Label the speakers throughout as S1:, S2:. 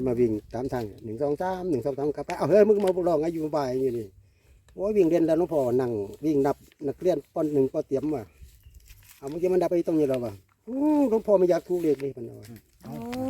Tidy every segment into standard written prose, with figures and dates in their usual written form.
S1: มาวิ่งตามทาง1 2 3 1 2 3กลับไปเอาเฮ้ยมึงมาลองอายุบ่ายอยู่นี่โอ้ยวิ่งเรียนแล้วหลวงพ่อนั่งวิ่งนับนักเรียนป .1 ป.เตรียมว่ะเอามึงจะมันดับไปตรงนี้แล้วว่ะหลวงพ่อไม่อยากถูกเลขเลยพันว่า
S2: โอ้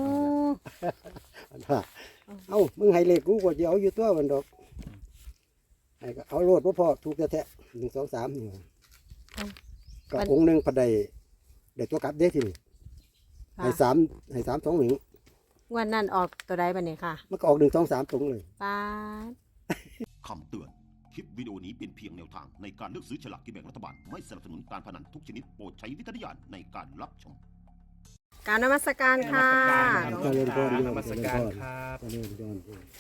S1: เอามึงให้เลขกูก็จะเอาอยู่ตัวมันดอกไอ้ก็เอาโลดพ่อถูกแท้ๆ1 2 3นี่ก็องค์หนึ่งพอได้ตัวกลับเด้ทีนี่ให้3 2 1
S2: งวันนั้นออกตัวใดบัดนี้ค่ะ
S1: มันก็ออก1 2 3ตรงเลย
S2: ป้าด
S3: คำเตือน คลิปวิดีโอนี้เป็นเพียงแนวทางในการเลือกซื้อฉลากกินแบ่งรัฐบาล ไม่สนับสนุนการพนันทุกชนิดโปรดใช้วิจารณญาณในการรับชม
S2: กรารนมัสการค่ะ
S1: เจริญพร
S4: นมัสการครับ
S1: เจริญพร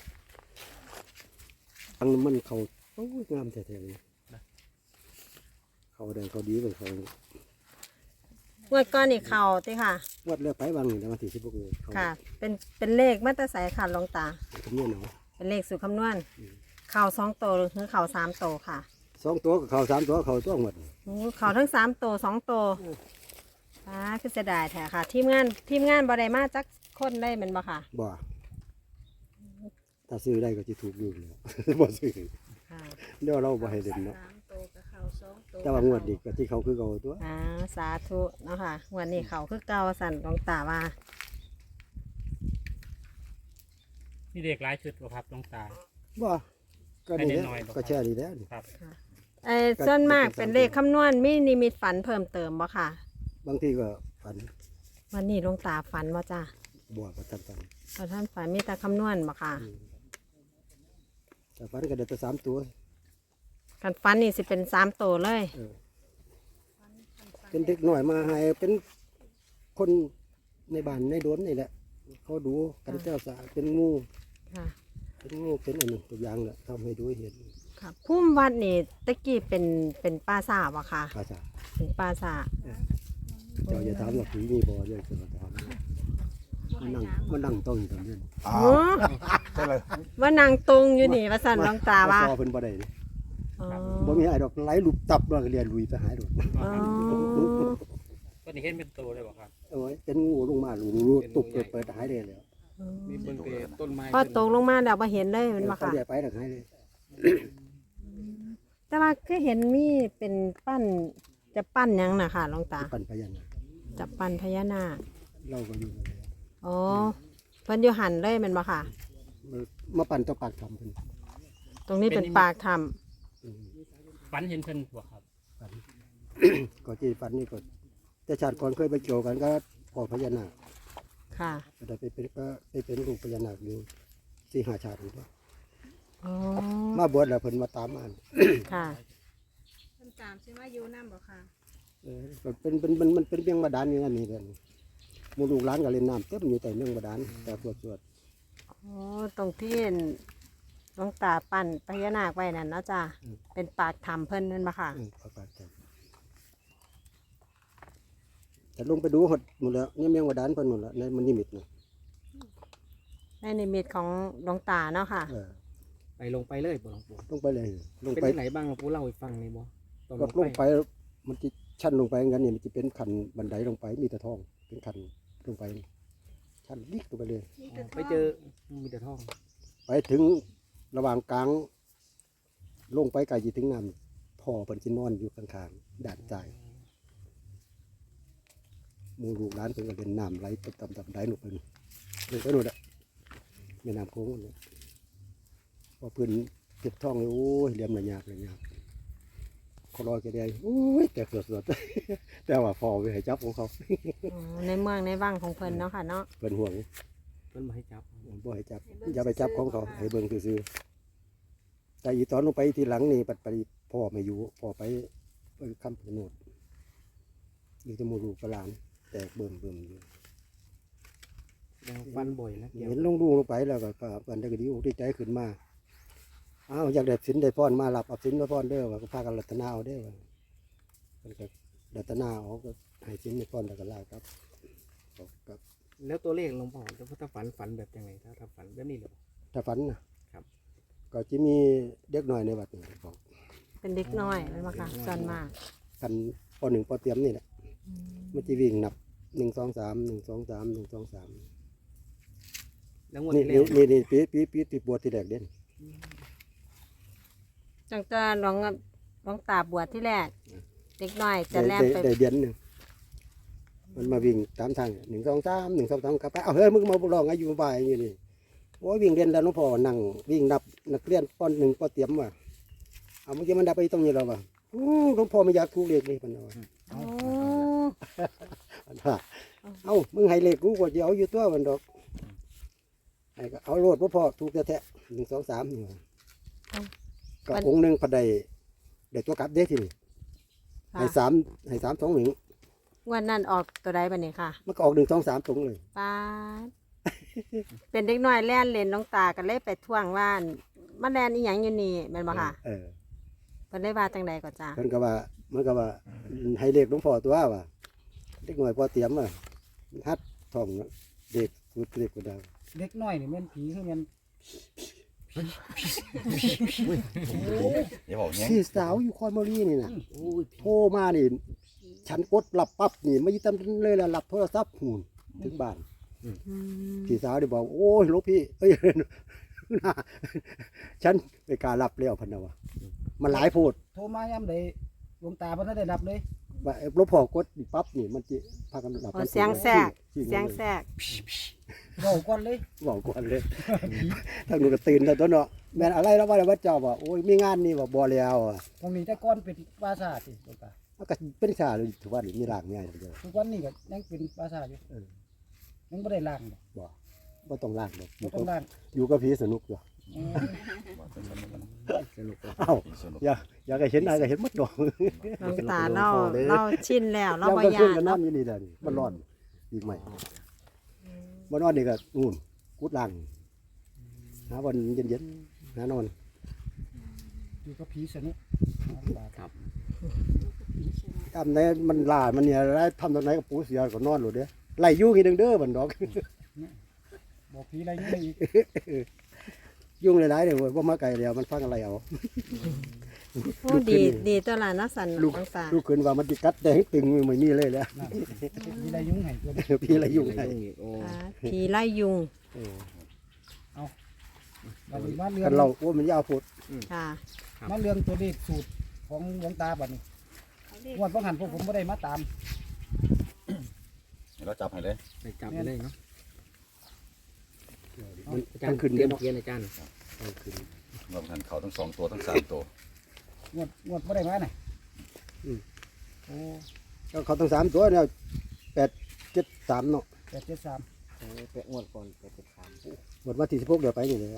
S1: ทางมันเขาโอ้ยงามแท้ๆเลยเขาได้เขาดีกว่าเขา
S2: งวดก้อนนี่เข่าติค่ะ
S1: วัดเลือกไปบางหนึ่งแต่มาที่16เลยเขา
S2: ค่ะ เป็นเลขมาตรสายค่ะหลวงตา
S1: คำนวณเอา
S2: เป็นเลขสูตรคำนวณ เข่า2 โตวหรือเข่า3 โตวค่ะ
S1: 2 ตัวกับเขา3 ตัวเขาตัวหมด
S2: โอ้เข่าทั้ง3 โตว2 โตวป้าคือเสียดายแท้ค่ะ ทีมงานบ่ได้มาจักคนได้แม่นบ่ค่ะ
S1: บ่ถ้าซื้อได้ก็จะถูกอยู่แล้ว บ่ซื้อ
S2: ค่ะ
S1: เดี๋ยวเราบ่ให้เด่นเนาะ
S2: 3 โตวกับเข่า2 โตว
S1: แต่ว่างวดดีก็ที่เขาคือเขาตัว
S2: สาธุเนาะค่ะงวดนี้เข่าคือเก่าสั่นหลวงตาว่า
S4: นี่เด็กหลายชุดบ่ครับหลวงตา
S1: บ่ก็นี่แห
S4: ให้เด่นหน่อย
S1: ละ
S4: บ่
S1: ก็แช่นี่แหล้ว
S4: ครับ
S2: ส่วนมากเป็นเลขคำนวณมีนิมิตฝันเพิ่มเติมบ่ค่ะ
S1: บางทีก็ฝัน
S2: วันนี้หลวงตาฝันบ่จ้า
S1: บ่ก็ทันฝัน
S2: พอท่านฝันมีแต่คำนวณบ่ค่ะ
S1: แต่ฝันก็ได้แต่3 ตัว
S2: กันฝันนี่สิเป็น3 โตวเลย
S1: เออเป็นเด็กหน่อยมาให้เป็นคนในบ้านในโดนนี่แหละ เขาดูกันเจ้าสาเป็นงู
S2: ค่ะ
S1: เป็นงูเป็นอันหนึ่งตัวอย่างแหละทำให้ดูให้เห็น
S2: ค่ะพุ่มวัดนี่ตะกี้เป็นป่าสาบ่ค่ะ
S1: ภาษา
S2: เป็นป่าสา
S1: เจ้าอย่าถามว่าผีมีบ่เยอะจะมาถามมันนั่งต้องอยู่ตรงนี้
S2: โอ้ว่านางตรงอยู่นี่ว่าสั่นหลวงตาว่า
S1: ซอเพิ่นบ่ได้นี่
S2: อ๋อ
S1: บ่มีไอ้ดอกไหลหลุบตับแล้วก็เรียนลุยไปหายดอก
S2: อ๋อ
S4: ก็นี่เห็นเป็นตัวเลยบ่ครับ
S1: โอ้ยเป็นงูลงมาลุตุบเปิดหายเลยแล้ว
S4: มีเบิ่งเป็นต้นไม้
S2: พอตกลงมาแล้วบ่เห็นเลยแมันบ่
S1: เขา
S2: ค่ะ
S1: เรียกไปแล้วหายเลย
S2: แต่ว่าก็เห็นมีเป็นปั้นจะปั้นหยังน่ะค่ะหลวงตา
S1: ปั่นพยัญชนะ
S2: จะปั้นพญานาค
S1: เราก็อยู่นั่นแหละ
S2: อ๋อเพิ่นอยู่หันเลยแมันบ่ค่ะ
S1: มาปั่นตัวปากทำเพิ่น
S2: ตรงนี้เป็นปากถ้
S1: อืม
S4: ฝันเห็นเพิ่นบ่ครับ
S1: ปั่น ก็ที่ปั่นนี่ก็แต่ชาติก่อนเคยไปเกี่ยวกันก็พ่อพญานาค
S2: ำค่ะ
S1: ก็ได้ไปเป็นลูกพญานาคอยู่4-5ชาติอยู่ด้วย
S2: อ๋อ
S1: มาบวชแล้วเพิ่นมาตามมา
S2: ค่ะ
S5: คำตามซิว่าอยู่น้ำบ่ค่ะ
S1: ก็เป็นมันเป็นเรื่องบาดาลอยู่นั่นนี่แหละหมู่ลูกหลานก็เล่นน้ำเต็มอยู่แต่เรื่องบาดาลแต่สวด
S2: อ๋อตรงที่หลวงตาปั้นพญานาคไว้นั่นเนาะจ้ะเป็นปากถ้ำเพิ่นนั่นบ่ค่ะ
S1: เอาปากทำแต่ลงไปดูหมดแล้วเนี่ยเมียงบาดาลเพิ่นหมดแล้วในมันนิมิตนะ
S2: ในนิมิตของหลวงตาเนาะค่ะ
S4: ไปลงไปเลยบ่หลวงปู่
S1: ลงไปเลยลง
S4: เป็น
S1: ไป
S4: ที่ไหนบ้างหลวงปู่เล่าให้ฟังหน่อยบ่ตอน
S1: ก็ลงไปมันจะชั้นลงไปงั้นนี่มันจะเป็นขันบันไดลงไปมีแต่ทองเป็นขันลงไปชั้นลิกลงไปเลย
S5: มีแต่
S4: ไปเจอมีแต่ทอง
S1: ไปถึงระหว่างกลางลงไปไกลจีถึงน้ำพ่อเพิ่นสินอนอยู่ข้างๆด่านใจายหมู่ลูกหลานเพิ่นก็เล่นน้ำไหลไปตามได้หนูเพิ่นเพิ่นก็นู่นแหละแม่น้ำโค้งนั่นแหละพอเพิ่นเก็บทองเลยโอ้ยเหลี่ยมละยากเขาลอยกระเดียโอ้ยแต่สดๆ แต่ว่าพอไปให้จับของเขา
S2: อ๋อในเมืองในวังของเพิ่นเนาะค่ะเนาะ
S1: เพิ่นห่วง
S4: เพิ่นมาให้จับ
S1: บ่ให้จับอย่าไปจับของเขาให้เบิ่งซื่อๆแต่อีตอนลงไปทีหลังนี่ปัดไปพ่อไม่อยู่พ่อไปคำพนดอยู่ที่หมู่ลูกกับหลานแตกเบิ่มอยู่
S4: แล้วฟันบ่อยแล้วเกี่ยว
S1: เห็นลงดูลงไปแล้วก็กันได้ก็ดีอกดีใจขึ้นมาอ้าวอยากได้สินได้พรมารับเอาสินมาพรเด้อว่าก็พากันรัตนาเอาเด้อว่าเพิ่นก็รัตนาเอาก็ให้สินให้พรแล้วก็ลาครับบอกครับ
S4: แล้วตัวเลขหลวงพ่อถ้าฝันแบบยังไงถ้าฝันแบบนี้เหรอ
S1: ถ้าฝันนะครับ ก็จะมีเด็กหน่อยในวัดนี่บอก
S2: เป็นเด็กน้อยแม่นบ่ค่ะส่วนมาก
S1: กันป .1 ป.เตรียมนี่แหละมันจะวิ่งนับ1 2 3 1 2 3 1 2 3
S4: แล้วงวด
S1: นี่
S4: ที่แล้ว
S1: นี่ปีติบวชที่แรกเด่น
S2: จังจะหลวงตาบวชที่แรก เด็กน้อยจะแล่นไป
S1: ได้เดือนหนึงมันมาวิ่งตามทาง1 2 3 1 2 3กลับไปเอาเฮ้ยมึงมาลองอายุบ่ายอย่างนี้โอ้ยวิ่งเรียนแล้วหลวงพ่อนั่งวิ่งนับนักเรียนป .1 ป.เตรียมว่ะเอาเมื่อกี้มันดับไปตรงนี้แล้วว่ะหลวงพ่อไม่อยากถูกเลขนี่มันว่า
S2: โอ้
S1: เอ้ามึงให้เลขกูก็จะเอาอยู่ตัวมันดอกให้ก็เอาโลดพ่อถูกแท้ๆ1 2 3นี่ว่ะก็องค์หนึงพอได้ตัวกลับเด้ทีนี่
S2: ค่ะ
S1: ให้3 2 1
S2: งวันนั้นออกตัวใดบัดนี้ค่ะ
S1: มันก็ออก1 2 3ตรงเลย
S2: ป้าด เป็นเด็กน้อยแล่นเล่นน้องตากันเลยไปท่วงว่านมาแล่นอีหยังอยู่นี่แม่นบ่ค่ะ
S1: เออ
S2: เพิ่นได้ว่าจังใดก็จ้า
S1: เพิ่นก็ว่ามันก็ว่าให้เลขหลวงพ่อตัวว่าเด็กหน่อยพอเตรียมอ่ะฮัดท่องเด็กสุดเล็กก็ได้
S4: เล็กน้อยนี่แม่นผีคือแม่น
S6: อย่าบอกเนี้ย
S1: พี่สาวอยู่คอนบุรีนี่น่ะโทรมานี่ฉันกดรับปั๊บนี่ไม่ยิ้มเลยล่ะรับโทรศัพท์หูนถึงบ้าน พี่สาวได้บอกโอ้ยหลูกพี่เอ้ย น่าฉันไม่กล้ารับแล้วพันนะวะมันหลายโพด
S4: โทรมายามใดหลวงตาเพิ่นได้รับเลย
S1: ว่าหลวงพ่อกดปั๊บนี่มันจะพากันรับ
S2: โอ้เสียงแทรกเสียงแทรก
S4: เว้าก่อนเลย
S1: บอกก่อนเลยทางนู้นก็ตื่นแล้วตัวเนาะแม่นอะไรแล้วว่าวัดเจ้าว่าโอ้ยมีงานนี่ว่าบ่แล้วอ่ะ
S4: ตรงนี้แต่ก่อนเป็นปราสาทสิหลวงตา
S1: มันก็เป็นชาเลยถือว่ามีรางง่ายเดียว
S4: ทุกวันนี้ก็ยังเป็นปราสาทอยู่ยังบ่ได้ล้างดอก
S1: บ่ต้องลากหรอกอ
S4: บ่
S1: ยู่
S4: ต้องล้าง
S1: อยู่กับผีสนุกอยู่
S4: อืม
S6: สนุก
S1: เอ้าอยากให้เห็นอะไรก็เห็นหมดดอก
S2: น้องตาเราชินแล้วเราบ่
S1: ยาม
S2: ยา
S1: ขึ้น
S2: น
S1: ก็
S2: เนาะ
S1: น้ำอยู่นี่แหละนี่มันร้อนอีกใหม่บ่นอนนี่ก็นู่นกุดลังหาวันเย็นๆหานอน
S4: อยู่กับผีสนุกครับ
S1: ทำไหนมันลามันเนี่ยอะไรทำตรงไหนกับปูเสียก็นอนหลุดเด้อไล่ยุ่งอีกเด้อบันดอก
S4: บอกผีอะไรยังไงอีก
S1: ยุ่งหลายๆเด้อว่ามาไกลแล้วมันฟังอะไรเอา
S2: โอ้ดีตัวละเนาะสัน
S1: ลูก
S2: น้องตา
S1: ลูกขึ้นว่ามันจิกัดแดงตึงไม่มีเลยแล้ว
S4: นั่นผีอะไรยุ่งให้ตัวนี้
S1: พี่อะไรยุ่งไง
S2: อ่าผีไล่ยุง
S4: บัดนี้มาเรื่อ
S1: กัน
S4: ง
S1: เราโอ้มันยาวโพด
S2: ค่ะ
S4: มาเรื่องตัวเลขสูตรของหลวงตาบัดนี้งวดบ่หันพวกผมบ่ได้มาตาม
S6: เราจับให้เลย
S7: ไปจับไปเลยเนาะ
S1: มัน
S7: อาจาร
S1: ทั้
S7: ย์
S1: งขึ้น
S7: เตรี
S1: เด้
S7: ย
S1: อ
S7: ม
S1: เนาะ
S7: เกียนอาจารย์
S1: ทั้งขึ้น
S6: รวมกันเขาทั้ง2 ตัวทั้ง3 ตัว
S4: งวดบ่ได้มาน่ะโอ้
S1: ก็เขาต้อง3 ตัวเนี่ย8 7 3เนาะ
S4: 873
S7: เปะงวดก่อนไปติดตาม
S1: หมดมาที่16เดี๋ยวไปนี่เลย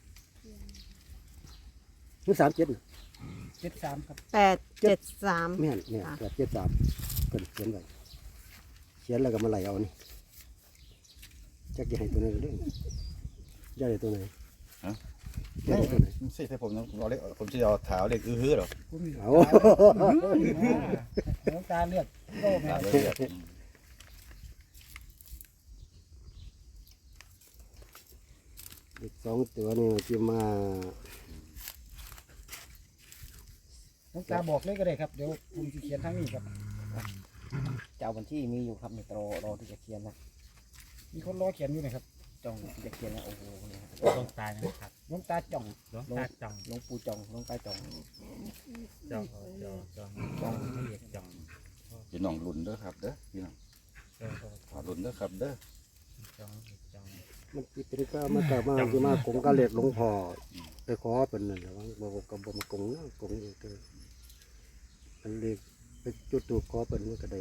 S1: นี่37น่ะ
S4: 73ครับ
S2: 873
S1: แม่นเนี่ย8 7 3เพิ่นเขียนไว้เขียนแล้วก็มาไล่เอานี่จักจะให้ตัวไหนเด้อจะได้ตัวไหนจะได้ตัวไหน
S6: สิถ้าผมเอาเล็กผมจะเอาเท้าเล็กอื้อหรอ
S4: คุณมี
S1: เอา
S4: หลวงตาเลือกโลกแม่
S6: เท้าเล็ก
S1: อีก2 ตัวนี่จะมา
S4: หลวงตาบอกเลยก็ได้ครับเดี๋ยวผมสิเขียนทางนี้ครับ
S7: เจ้าบัญชีมีอยู่ครับในรอที่จะเขียนนะ
S4: มีคนรอเขียนอยู่นะครับ
S7: จ้องที่จะเขียนนะโอ้โหเนี่ยครับ
S8: ลงตายนะครับ
S4: หลวงตาจ่อง
S8: หลวงตาจ่อง
S7: หลวงปู่จองหลวงตาจอง
S8: จ่องจ่องละเอียดจ่อง
S6: พี่น้องลุ่นเด้อครับเด้อพี่น้องลุ่นเด้อครับเด้อ
S8: จ่องจ่อง
S1: มันสิเป็นก็มาแต่มาสิมากงกะเล็ดหลวงพ่อไปขอเป็นนั่นแหละว่าบ่กับบ่มากงนะกงอยู่เด้ออันเล็กไปจุดตูปขอเป็นมันก็ได้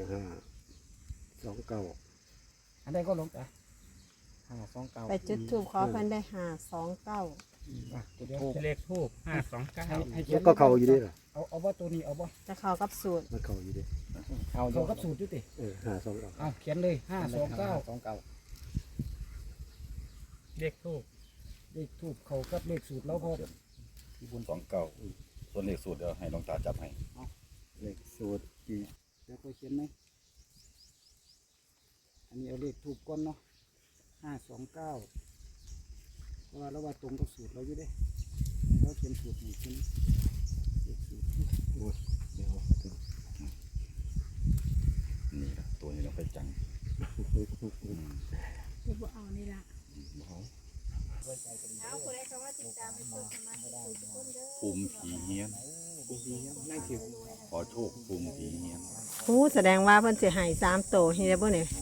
S1: 5 2 9
S4: อันใดก็หลวงตา
S7: 529
S2: ไปจุดทูบขอเพิ่นได้529
S4: อ่ะตัวเดียว
S8: เลขทูบ529
S4: ให้เขีย
S1: แล้
S4: น
S1: วก็เข้าอยู่เดิล่ะ
S4: เอาว่าตัวนี้เอาบ่
S2: จะเข้ากับสูตร
S1: มันเข้าอยู่เดิ
S7: เอาอ
S4: เขา
S7: ยู่
S4: กับสูตรอยู่ติ
S1: 5 2 9
S4: เอาเขียนเลย529
S7: 529
S8: เลขทูบ
S4: เลขทูบเขากับเลขสูตรเราพอ
S6: ที่บุญ29ส่วนเลขสูตรเดี๋ยวให้หลวงตาจับให้
S1: เลขสูตรที่
S4: เดี๋ยวก็เขียนไหมอันนี้เอาเลขทูบก่อนเนาะ529เพราะว่าเราว่าตรงกับสูตรเราอยู่เด้เราเขียนสูตรนี่เขียนเลขสูตร
S1: เดี๋ยว
S6: นี่ละตัวนี้เราไปจัง
S5: หรือว่าเอานี่ละ
S6: เขา
S5: เอาคนใดเขาว่าติดตามให้เพิ่มสมาธิทุกคนเด้อ
S6: ภูมิผีเฮียน
S4: นั่งเขียว
S6: ขอโชคภูมิผีเฮียน
S2: หูแสดงว่าเพิ่นสิให้3ตัวเฮ็ดได้บ่เนี่ย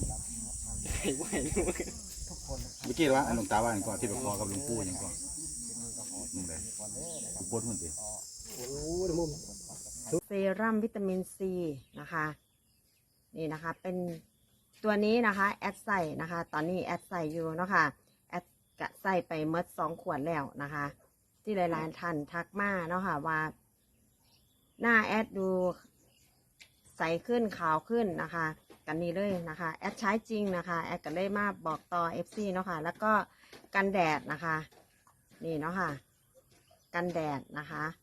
S6: เมื่อกี้ว่าหลวงตาว่าอย่างก่อนที่ไปขอกับหลวงปู่อย่างก่อนมึงเลยกูปวดมันดิ
S1: โอ้ยมุม
S2: เซรั่มวิตามินซีนะคะนี่นะคะเป็นตัวนี้นะคะแอดใส่นะคะตอนนี้แอดใส่อยู่เนาะค่ะแอดกะใส่ไปเมด2 ขวดแล้วนะคะ ที่หลายๆท่านทักมาเนาะค่ะว่าหน้าแอดดูใสขึ้นขาวขึ้นนะคะกันนี้เลยนะคะแอดใช้จริงนะคะแอดก็เลยมาบอกต่อ FC เนาะค่ะแล้วก็กันแดดนะคะนี่เนาะค่ะกันแดดนะคะ